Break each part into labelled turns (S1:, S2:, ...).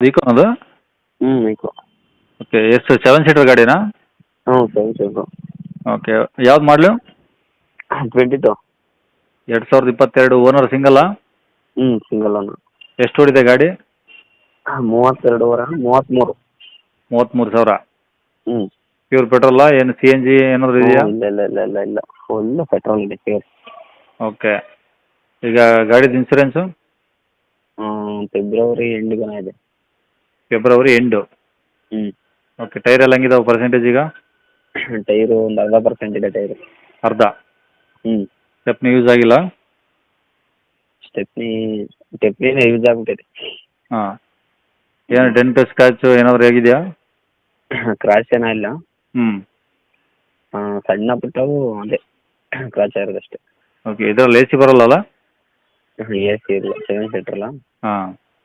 S1: ವೀಕೋ ಅದು.
S2: Eco.
S1: Okay, ಎಷ್ಟು 7 seater ಗಾಡಿನಾ?
S2: ಹ್ಞೂ 7 ಸೀಟ್ರು.
S1: ಓಕೆ, ಯಾವ್ದು ಮಾಡಲು?
S2: 22.
S1: 2022. ಓನರ್ ಸಿಂಗಲ್ಲಾ?
S2: Single owner.
S1: ಎಷ್ಟು ಓಡಿದೆ ಗಾಡಿ?
S2: 33.
S1: 33,000.
S2: ಹ್ಞೂ.
S1: ಪ್ಯೂರ್ ಪೆಟ್ರೋಲಾ ಏನು CNG ಏನಾದರೂ ಇದೆಯಾ?
S2: ಇಲ್ಲ ಫುಲ್ ಪೆಟ್ರೋಲ್ ಇದೆ ಪ್ಯೂರ್.
S1: ಓಕೆ, ಈಗ ಗಾಡಿದು ಇನ್ಸೂರೆನ್ಸು?
S2: ಫೆಬ್ರವರಿ ಎಂಡಿಗನ ಇದೆ.
S1: February end.
S2: ಹ್ಞೂ.
S1: ಓಕೆ, ಟೈರ್ ಎಲ್ಲ ಹೆಂಗಿದಾವೆ ಪರ್ಸೆಂಟೇಜ್ ಈಗ?
S2: ಟೈರು ಒಂದು 40% ಇದೆ ಟೈರು.
S1: ಅರ್ಧ?
S2: ಹ್ಞೂ.
S1: ಸ್ಟೆಪ್ನಿ ಯೂಸ್ ಆಗಿಲ್ಲ?
S2: ಸ್ಟೆಪ್ನಿನೇ ಯೂಸ್ ಆಗ್ಬಿಟ್ಟಿದೆ.
S1: ಹಾಂ. ಏನು ಡೆಂಟ್ ಸ್ಕ್ರಾಚು ಏನಾದರೂ ಹೇಗಿದೆಯಾ?
S2: ಕ್ರಾಚ್ ಏನೋ ಇಲ್ಲ.
S1: ಹ್ಞೂ.
S2: ಸಣ್ಣ ಪುಟ್ಟವು ಅದೇ ಕ್ರಾಚ್ ಆಗಿರೋದಷ್ಟೇ.
S1: ಓಕೆ, ಇದರಲ್ಲಿ AC ಬರಲ್ಲಲ್ಲ?
S2: AC ಇಲ್ಲ, 7 ಸೀಟ್ರಲ್ಲ.
S1: ಹಾಂ.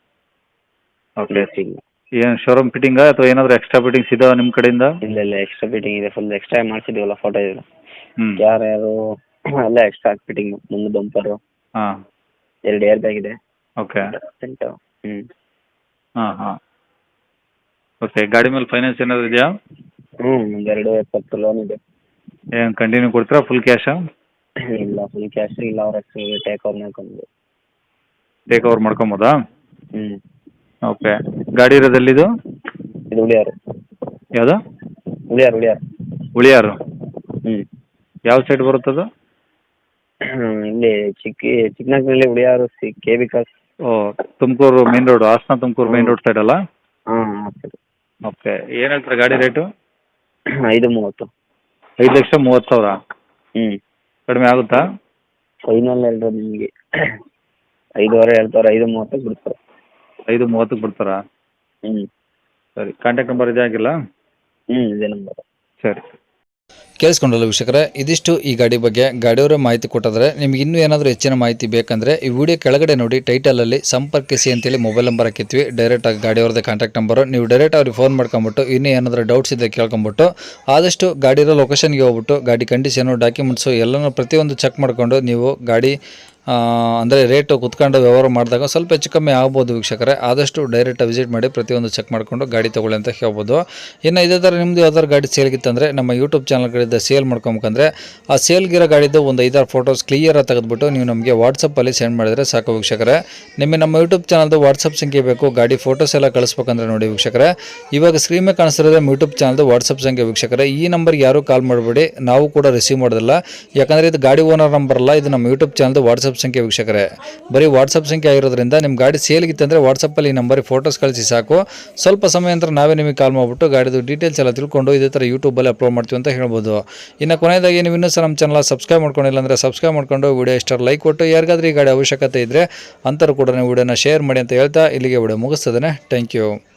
S1: ಓಕೆ,
S2: AC ಇಲ್ಲ.
S1: ಏನು ಶೋರೂಮ್ ಫಿಟ್ಟಿಂಗಾ ಅಥವಾ ಏನಾದರೂ ಎಕ್ಸ್ಟ್ರಾ ಫಿಟ್ಟಿಂಗ್ಸ್ ಇದಾವೆ ನಿಮ್ಮ ಕಡೆಯಿಂದ?
S2: ಇಲ್ಲ ಎಕ್ಸ್ಟ್ರಾ ಫಿಟ್ಟಿಂಗ್ ಇದೆ, ಫುಲ್ ಎಕ್ಸ್ಟ್ರಾ ಮಾಡಿಸಿದ್ದೀವಲ್ಲ ಫೋಟೋ ಇದೆ.
S1: ಹ್ಞೂ.
S2: ಯಾರು ಎಲ್ಲ ಎಕ್ಸ್ಟ್ರಾ ಫಿಟ್ಟಿಂಗ್. ಮುಂದೆ ಬಂಪರು,
S1: ಹಾಂ.
S2: 2 ಏರ್ ಬ್ಯಾಗ್ ಇದೆ.
S1: ಓಕೆ.
S2: ಹ್ಞೂ.
S1: ಹಾಂ. ಓಕೆ, ಗಾಡಿ ಮೇಲೆ ಫೈನಾನ್ಸ್ ಏನಾದರೂ ಇದೆಯಾ?
S2: ಒಂದು 2.20 ಲೋನ್ ಇದೆ.
S1: ಏನು ಕಂಟಿನ್ಯೂ ಕೊಡ್ತೀರಾ ಫುಲ್ ಕ್ಯಾಶಾ?
S2: ಇಲ್ಲ, ಫುಲ್ ಕ್ಯಾಶ್ ಇಲ್ಲ, ಅವ್ರ ಹೆಸರು ಟೇಕ್ ಓವರ್ ಮಾಡ್ಕೊಂಡು.
S1: ಟೇಕ್ ಓವರ್ ಮಾಡ್ಕೊಬೋದಾ?
S2: ಹ್ಞೂ.
S1: ಓಕೆ, ಗಾಡಿ ಇರೋದು ಎಲ್ಲಿದು?
S2: ಇದು ಉಳಿಯಾರು.
S1: ಯಾವುದು?
S2: ಉಳಿಯಾರು.
S1: ಉಳಿಯಾರು.
S2: ಹ್ಞೂ.
S1: ಯಾವ ಸೈಡ್ ಬರುತ್ತದು?
S2: ಇಲ್ಲಿ ಚಿಕ್ಕನಾಗ್ನಲ್ಲಿ ಉಳಿಯಾರು KB ಕ್ರಾಸ್.
S1: ಓ, Tumakuru main road, Hassan Tumakuru main road ಸೈಡಲ್ಲ?
S2: ಹಾಂ.
S1: ಓಕೆ, ಏನು ಹೇಳ್ತಾರೆ ಗಾಡಿ ರೇಟು?
S2: 5.30.
S1: 5,30,000.
S2: ಹ್ಞೂ.
S1: ಕಡಿಮೆ ಆಗುತ್ತಾ?
S2: ಫೈನಲ್ ಹೇಳಿದ್ರೆ ನಿಮಗೆ 5.25 ಹೇಳ್ತಾರೆ, 5.30 ಬಿಡ್ತಾರೆ.
S1: 5.30ಕ್ಕೆ ಬಿಡ್ತಾರಾ?
S2: ಹ್ಞೂ.
S1: ಸರಿ, ಕಾಂಟ್ಯಾಕ್ಟ್ ನಂಬರ್ ಇದೆ ಆಗಿಲ್ಲ?
S2: ಇದೇ ನಂಬರ್.
S1: ಸರಿ.
S3: ಕೇಳಿಸ್ಕೊಂಡಲ್ಲ ವೀಕ್ಷಕರೇ, ಇದಿಷ್ಟು ಈ ಗಾಡಿ ಬಗ್ಗೆ ಗಾಡಿಯವರೇ ಮಾಹಿತಿ ಕೊಟ್ಟಿದ್ದಾರೆ. ನಿಮ್ಗೆ ಇನ್ನೂ ಏನಾದರೂ ಹೆಚ್ಚಿನ ಮಾಹಿತಿ ಬೇಕಂದರೆ ಈ ವಿಡಿಯೋ ಕೆಳಗಡೆ ನೋಡಿ ಟೈಟಲಲ್ಲಿ ಸಂಪರ್ಕಿಸಿ ಅಂತೇಳಿ ಮೊಬೈಲ್ ನಂಬರ್ ಹಾಕಿದ್ವಿ. ಡೈರೆಕ್ಟಾಗಿ ಗಾಡಿಯವ್ರದ್ದೇ ಕಾಂಟ್ಯಾಕ್ಟ್ ನಂಬರು. ನೀವು ಡೈರೆಕ್ಟ್ ಅವ್ರಿಗೆ ಫೋನ್ ಮಾಡ್ಕೊಂಬಿಟ್ಟು ಇನ್ನೂ ಏನಾದರೂ ಡೌಟ್ಸ್ ಇದೆ ಕೇಳ್ಕೊಂಬಿಟ್ಟು ಆದಷ್ಟು ಗಾಡಿರೋ ಲೊಕೇಶನ್ಗೆ ಹೋಗ್ಬಿಟ್ಟು ಗಾಡಿ ಕಂಡೀಷನು, ಡಾಕ್ಯುಮೆಂಟ್ಸು ಎಲ್ಲನೂ ಪ್ರತಿಯೊಂದು ಚೆಕ್ ಮಾಡಿಕೊಂಡು ನೀವು ಗಾಡಿ ಅಂದರೆ ರೇಟು ಕುತ್ಕೊಂಡು ವ್ಯವಹಾರ ಮಾಡಿದಾಗ ಸ್ವಲ್ಪ ಹೆಚ್ಚು ಕಮ್ಮಿ ಆಗ್ಬೋದು ವೀಕ್ಷಕರೇ. ಆದಷ್ಟು ಡೈರೆಕ್ಟ್ ವಿಸಿಟ್ ಮಾಡಿ ಪ್ರತಿಯೊಂದು ಚೆಕ್ ಮಾಡಿಕೊಂಡು ಗಾಡಿ ತೊಗೊಳ್ಳಿ ಅಂತ ಹೇಳ್ಬೋದು. ಇನ್ನು ಇದೇ ಥರ ನಿಮ್ಮದು ಯಾವ್ದಾದ್ರು ಗಾಡಿ ಸೇಲ್ಗಿತ್ತಂದರೆ ನಮ್ಮ ಯೂಟ್ಯೂಬ್ ಚಾನಲ್ಗಳಿಂದ ಸೇಲ್ ಮಾಡ್ಕೊಬೇಕಂದ್ರೆ ಆ ಸೇಲ್ಗಿರೋ ಗಾಡಿದ್ದು ಒಂದು 5-6 ಫೋಟೋಸ್ ಕ್ಲಿಯರಾಗಿ ತೆಗೆದುಬಿಟ್ಟು ನೀವು ನಮಗೆ ವಾಟ್ಸಪ್ಪಲ್ಲಿ ಸೆಂಡ್ ಮಾಡಿದರೆ ಸಾಕು ವೀಕ್ಷಕರೇ. ನಿಮಗೆ ನಮ್ಮ ಯೂಟ್ಯೂಬ್ ಚಾನಲ್ದು ವಾಟ್ಸಪ್ ಸಂಖ್ಯೆ ಬೇಕು, ಗಾಡಿ ಫೋಟೋಸ್ ಎಲ್ಲ ಕಳಿಸ್ಬೇಕಂದ್ರೆ ನೋಡಿ ವೀಕ್ಷಕರೇ, ಇವಾಗ ಸ್ಕ್ರೀನ್ ಮೇಲೆ ಕಾಣಿಸ್ತಿರೋದು ನಮ್ಮ ಯೂಟ್ಯೂಬ್ ಚಾನಲ್ದು ವಾಟ್ಸಪ್ ಸಂಖ್ಯೆ ವೀಕ್ಷಕರೇ. ಈ ನಂಬರ್ಗೆ ಯಾರೂ ಕಾಲ್ ಮಾಡಬೇಡಿ, ನಾವು ಕೂಡ ರಿಸೀವ್ ಮಾಡೋದಿಲ್ಲ. ಯಾಕಂದರೆ ಇದು ಗಾಡಿ ಓನರ್ ನಂಬರ್ ಅಲ್ಲ, ಇದು ನಮ್ಮ ಯೂಟ್ಯೂಬ್ ಚಾನಲ್ದು ವಾಟ್ಸಪ್ ಸಂಖ್ಯೆ ವೀಕ್ಷಕರೇ. ಬರೀ ವಾಟ್ಸಪ್ ಸಂಖ್ಯೆ ಆಗಿರೋದ್ರಿಂದ ನಿಮ್ಮ ಗಾಡಿ ಸೇಲ್ಗಿತ್ತಂದರೆ ವಾಟ್ಸಪ್ಪಲ್ಲಿ ಈ ನಂಬರಿಗೆ ಫೋಟೋಸ್ ಕಳಿಸಿ ಸಾಕು. ಸ್ವಲ್ಪ ಸಮಯ ನಂತರ ನಾವೇ ನಿಮಗೆ ಕಾಲ್ ಮಾಡಿಬಿಟ್ಟು ಗಾಡಿದು ಡೀಟೇಲ್ಸ್ ಎಲ್ಲ ತಿಳ್ಕೊಂಡು ಇದೇ ಥರ ಯೂಟ್ಯೂಬಲ್ಲಿ ಅಪ್ಲೋಡ್ ಮಾಡ್ತೀವಿ ಅಂತ ಹೇಳ್ಬೋದು. ಇನ್ನು ಕೊನೆಯದಾಗಿ ನೀವು ಇನ್ನೂ ಸಹ ನಮ್ಮ ಚಾನಲ್ ಸಬ್ಸ್ಕ್ರೈಬ್ ಮಾಡ್ಕೊಂಡಿಲ್ಲ ಅಂದರೆ ಸಬ್ಸ್ಕ್ರೈಬ್ ಮಾಡ್ಕೊಂಡು ವಿಡಿಯೋ ಇಷ್ಟ ಲೈಕ್ ಕೊಟ್ಟು ಯಾರಿಗಾದ್ರೂ ಈ ಗಾಡಿ ಅವಶ್ಯಕತೆ ಇದ್ದರೆ ಅಂಥವ್ರು ಕೂಡ ನೀವು ವಿಡಿಯೋನ ಶೇರ್ ಮಾಡಿ ಅಂತ ಹೇಳ್ತಾ ಇಲ್ಲಿಗೆ ವಿಡಿಯೋ ಮುಗಿಸ್ತದೆ. Thank you.